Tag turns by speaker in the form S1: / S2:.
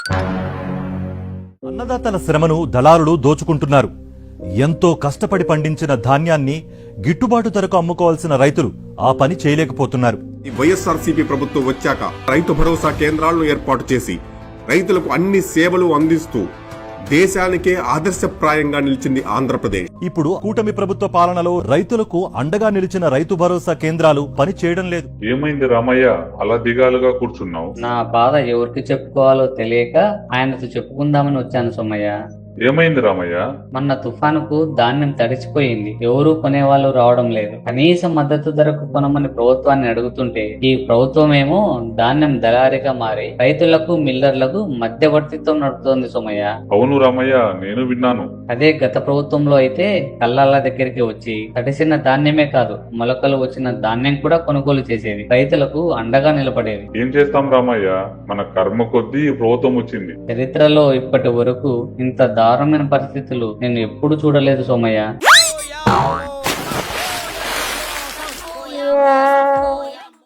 S1: అన్నదాతల శ్రమను దళారులు దోచుకుంటున్నారు. ఎంతో కష్టపడి పండించిన ధాన్యాన్ని గిట్టుబాటు ధరకు అమ్ముకోవాల్సిన రైతులు ఆ పని చేయలేకపోతున్నారు.
S2: ఈ వైఎస్ఆర్సీపీ ప్రభుత్వం వచ్చాక రైతు భరోసా కేంద్రాలను ఏర్పాటు చేసి రైతులకు అన్ని సేవలు అందిస్తూ దేశానికే ఆదర్శప్రాయంగా నిలిచింది ఆంధ్రప్రదేశ్.
S1: ఇప్పుడు కూటమి ప్రభుత్వ పాలనలో రైతులకు అండగా నిలిచిన రైతు భరోసా కేంద్రాలు పని చేయడం లేదు.
S3: ఏమైంది రామయ్య, అలా దిగాలుగా కూర్చున్నావు?
S4: నా బాధ ఎవరికి చెప్పుకోవాలో తెలియక ఆయనతో చెప్పుకుందామని వచ్చాను సోమయ్య.
S3: ఏమైంది రామయ్య?
S4: మొన్న తుఫానుకు ధాన్యం తడిచిపోయింది. ఎవరూ కొనేవాళ్ళు రావడం లేదు. కనీస మద్దతు ధరకు కొనమని ప్రభుత్వాన్ని అడుగుతుంటే ఈ ప్రభుత్వం ఏమో ధాన్యం దళారిగా మారి రైతులకు మిల్లర్లకు మధ్యవర్తిత్వం నడుపుతోంది సోమయ్య.
S3: అవును రామయ్య, నేను విన్నాను.
S4: అదే గత ప్రభుత్వంలో అయితే కల్లాల దగ్గరికి వచ్చి తడిసిన ధాన్యమే కాదు, మొలకలు వచ్చిన ధాన్యం కూడా కొనుగోలు చేసేది, రైతులకు అండగా నిలబడేది.
S3: ఏం చేస్తాం రామయ్య, మన కర్మ కొద్దీ ఈ ప్రభుత్వం వచ్చింది.
S4: చరిత్రలో ఇప్పటి వరకు ఇంత దారుణమైన పరిస్థితులు నేను ఎప్పుడు చూడలేదు సోమయ్య.